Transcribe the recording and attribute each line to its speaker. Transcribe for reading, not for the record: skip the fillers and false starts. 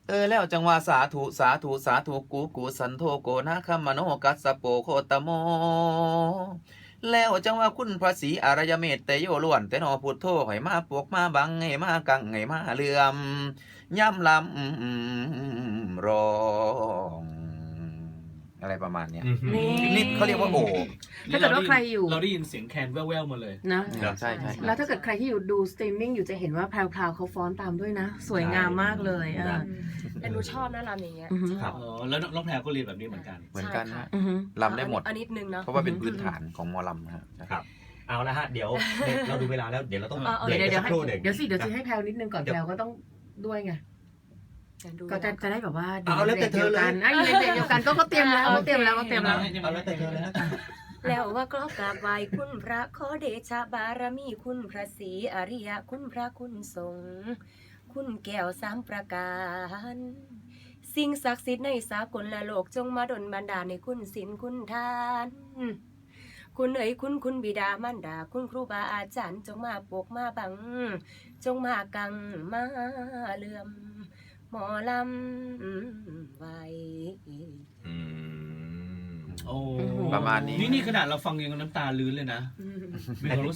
Speaker 1: แล้วจังว่าสาธุสาธุสาธุกูสันโธโกนะคัมมโนกัสสะโปโคตโมแล้วจังว่าคุณพระศรีอารยเมตเตโยล้วนแต่นอพุทโธให้มาปวกมาบังให้มากังให้มาเลื่อมย่ำลำร้องอะไรประมาณเนี้ย
Speaker 2: นี่
Speaker 1: นี่เขาเรียกว่าโอบ
Speaker 2: ถ้าเกิดว่าใครอยู่
Speaker 3: เราได้ยินเสียงแคนแว่วๆมาเลย
Speaker 2: นะ
Speaker 1: ใช่ใช่
Speaker 2: แล้วถ้าเกิดใครที่อยู่ดูสตรีมมิ่งอยู่จะเห็นว่าแพรวๆเขาฟ้อนตามด้วยนะ สวยงามมากเลย
Speaker 3: นะ
Speaker 4: แต่หนูชอบนะรำอย่างเงี้ย
Speaker 2: อือฮึ
Speaker 4: ชอบ
Speaker 3: แล้วน้องแพรก็เรียนแบบนี้เหมือนกัน
Speaker 1: เหมือนกันฮะ
Speaker 2: อือฮึ
Speaker 1: ลำได้หมด
Speaker 4: อันนิดนึงเนาะ
Speaker 1: เพราะว่าเป็นพื้นฐานของหมอลำนะฮะ
Speaker 5: ครับ เอาละฮะเดี๋ยวเราดูเวลาแล้วเดี๋ยวเราต้อง
Speaker 4: เอา
Speaker 5: เบรก
Speaker 2: เดี๋ยว
Speaker 5: สักครู่หนึ่ง
Speaker 2: เดี๋ยวสิให้แพรวนิดนึงก่อนแพรวก็ต้องด้วยไง ก็จะได้แบบว่า
Speaker 5: เอาแล้วแต่เธอเลย
Speaker 2: อยู่ในเบรกเดียวกันก็เตรียมแล้ว
Speaker 4: โอ
Speaker 2: ก็
Speaker 4: เค
Speaker 2: เตรียมแล้วก็เตรียมแล้ว
Speaker 5: เอาแล้วแต่เธอเลยนะ
Speaker 4: แล้วว่าก็กราบไหว้คุณพระขอเดชะบารมีคุณพระศรีอริยะคุณพระคุณสงฆ์คุณแก้วสามประการ สิ่งศักดิ์สิทธิ์ในสากลและโลกจงมาดลบันดาลในคุณศีลคุณทาน คุณเอ๋ยคุณบิดามารดา คุณครูบาอาจารย์จงมาปกมาบัง จงมากังมาเลื่อม หมอลำไว้
Speaker 3: โอ้
Speaker 1: ประมาณนี้
Speaker 3: นี่ขนาดเราฟังยังน้ำตาลื้นเลยนะมีความรู้สึก